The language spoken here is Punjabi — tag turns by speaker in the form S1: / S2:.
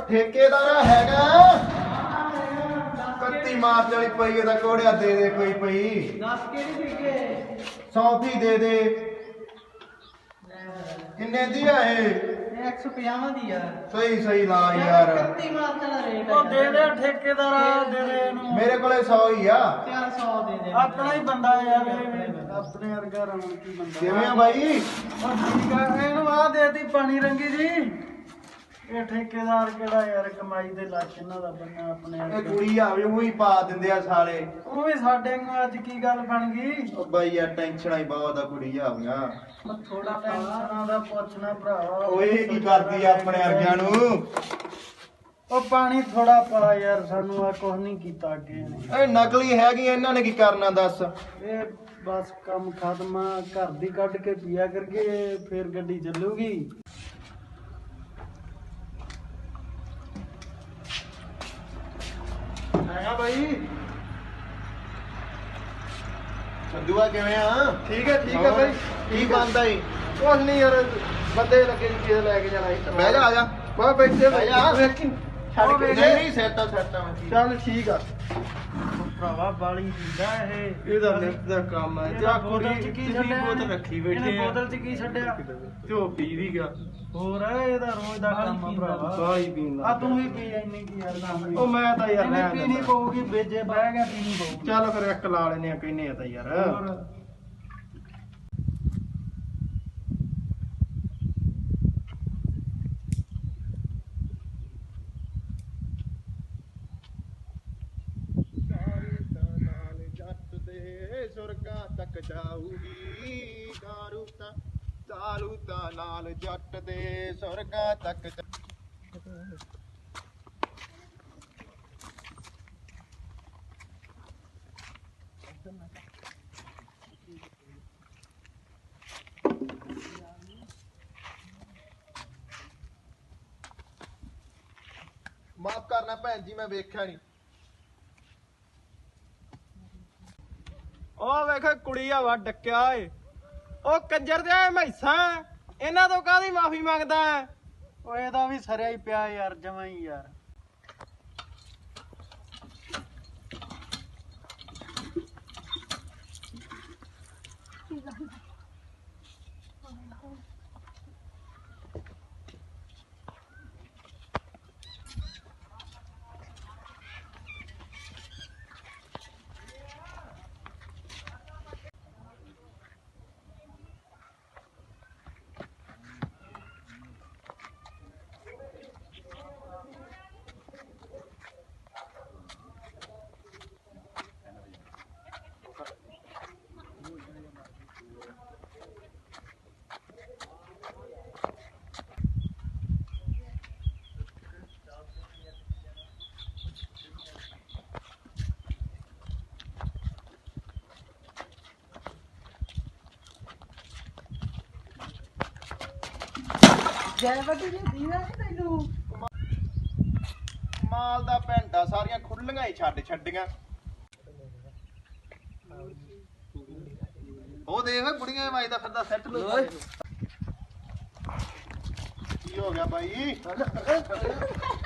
S1: ठेकेदार हैगा कत्ती मार्च वाली पई है कोड़िया दे दे कोई पई 100 दे दे किन्ने दी है
S2: 150 दी यार
S1: सही सही ला यार
S2: 31 मार्च वाला रेट
S3: ਉਹ ਦੇ ਦੇ ਠੇਕੇਦਾਰ ਦੇ ਦੇ ਇਹਨੂੰ
S1: मेरे को 100 ही आ
S2: 400 ਦੇ ਦੇ
S3: ਆਪਣਾ ਹੀ ਬੰਦਾ ਯਾਰ ਇਹ ਆਪਣੇ ਵਰਗਾ ਰੌਣਕੀ ਬੰਦਾ
S1: किवें आ भाई
S3: ਉਹ ਠੀਕ ਆ ਇਹਨੂੰ ਆ ਦੇਤੀ ਪਾਣੀ ਰੰਗੀ ਜੀ ਇਹ ਠੇਕੇਦਾਰ ਕਿਹੜਾ ਯਾਰ ਕਮਾਈ ਦੇ ਲੱਛ ਇਹਨਾਂ ਦਾ ਬੰਨਾ ਆਪਣੇ
S1: ਇਹ ਕੁੜੀ ਆਵੇ ਉਹ ਹੀ ਪਾ ਦਿੰਦੇ ਆ ਸਾਲੇ
S3: ਉਹ ਵੀ ਸਾਡੇ ਨੂੰ ਅੱਜ ਕੀ ਗੱਲ ਬਣ ਗਈ
S1: ਉਹ ਬਾਈ ਯਾਰ ਟੈਨਸ਼ਨਾਂ ਹੀ ਬਹੁਤ ਆ ਕੁੜੀ ਆਵੀਆਂ
S3: ਉਹ ਥੋੜਾ ਟੈਨਸ਼ਨਾਂ ਦਾ ਪੁੱਛਣਾ ਭਰਾਵਾ
S1: ਓਏ ਕੀ ਕਰਦੀ ਆ ਆਪਣੇ ਵਰਗਿਆਂ ਨੂੰ
S3: ਉਹ ਪਾਣੀ ਥੋੜਾ ਪਾ ਯਾਰ ਸਾਨੂੰ ਆ ਕੁਝ ਨਹੀਂ ਕੀਤਾ ਅੱਗੇ ਇਹਨੇ
S1: ਇਹ ਨਕਲੀ ਹੈਗੀ ਇਹਨਾਂ ਨੇ ਕੀ ਕਰਨਾ ਦੱਸ
S3: ਇਹ ਬਸ ਕੰਮ ਖਤਮ ਆ ਘਰ ਦੀ ਕੱਢ ਕੇ ਪੀਆ ਕਰਕੇ ਫੇਰ ਗੱਡੀ ਚੱਲੂਗੀ
S1: ਆਇਆ ਬਾਈ ਸੰਧੂਆ ਕਿਵੇਂ ਆ
S3: ਠੀਕ ਹੈ ਬਾਈ
S1: ਕੀ ਬੰਦਾ ਈ
S3: ਕੁਝ ਨਹੀਂ ਯਾਰ ਬੰਦੇ ਲੱਗੇ ਚੀਜ਼ ਲੈ ਕੇ ਜਾਣਾ
S1: ਬਹਿ ਜਾ ਆ ਜਾ
S3: ਬਾ ਬੈਠੇ
S1: ਬਹਿ ਜਾ।
S3: ਵੇਖੀ
S1: ਛੱਡ
S3: ਕੇ
S1: ਨਹੀਂ ਨਹੀਂ ਸੈਟਾ ਸੈਟਾ ਮੈਂ
S3: ਚੱਲ ਠੀਕ ਆ ਭਰਾਵਾ ਬਾਲੀ ਦਿੰਦਾ ਇਹ
S1: ਇਹਦਾ ਨਿੱਤ ਦਾ ਕੰਮ ਹੈ
S3: ਇਹਦਾ ਬੋਤਲ ਚ ਕੀ ਛੱਡਿਆ
S1: ਬੋਤਲ ਰੱਖੀ ਬੈਠੇ
S3: ਇਹਨੇ
S1: ਆ
S3: ਬੋਤਲ ਚ ਕੀ ਛੱਡਿਆ
S1: ਤੇ ਉਹ ਪੀ ਵੀ ਗਿਆ
S3: ਹੋਰ ਇਹਦਾ ਰੋਜ਼ ਦਾ ਕੰਮ ਆ ਭਰਾਵਾ
S1: ਬਾਈ ਪੀਣ
S3: ਆ ਤੂੰ ਵੀ ਪੀ ਇੰਨੀ ਕੀ ਯਾਰ ਕੰਮ
S1: ਉਹ ਮੈਂ ਤਾਂ ਯਾਰ
S3: ਇਹਨੇ
S1: ਰਹਿਣ
S3: ਪੀਣੀ
S1: ਦਿੰਦਾ।
S3: ਪਊਗੀ ਵੇਜੇ ਬਹਿ ਗਿਆ ਪੀਣੀ ਪਊਗੀ
S1: ਚੱਲ ਫਿਰ ਇੱਕ ਲਾ ਲੈਨੇ ਆ ਕਹਿੰਨੇ ਆ ਤਾਂ ਯਾਰ
S3: ਹੋਰ
S1: ਨਾਲ ਜੱਟ ਦੇ ਸੁਰਗਾਂ ਤੱਕ ਜਾਊਗੀ ਦਾਰੂ ਤਾਂ ਨਾਲ ਜੱਟ ਦੇ ਸੁਰਗਾਂ ਤੱਕ ਮਾਫ ਕਰਨਾ ਭੈਣ ਜੀ ਮੈਂ ਵੇਖਿਆ ਨਹੀਂ
S3: ਉਹ ਵੇਖ ਕੁੜੀ ਆਵਾ ਡੱਕਿਆ ਏ ਉਹ ਕੰਜਰ ਦੇ ਮੈਸਾਂ ਇਹਨਾਂ ਤੋਂ ਕਾਹਦੀ ਮਾਫੀ ਮੰਗਦਾ ਓ ਇਹਦਾ ਵੀ ਸਰਿਆ ਹੀ ਪਿਆ ਯਾਰ ਜਮਾਂ ਹੀ ਯਾਰ ਜੈ ਬੱਟੀ ਜੀ ਦੀਵਾ ਨਹੀਂ ਤੈਨੂੰ
S1: ਮਾਲ ਦਾ ਭੈਂਡਾ ਸਾਰੀਆਂ ਖੁੱਲੀਆਂ ਹੀ ਛੱਡੀਆਂ ਉਹ ਦੇਖ ਬੁੜੀਆਂ ਵੱਜਦਾ ਫਿਰਦਾ ਸੈੱਟ ਲੋ ਕੀ ਹੋ ਗਿਆ ਬਾਈ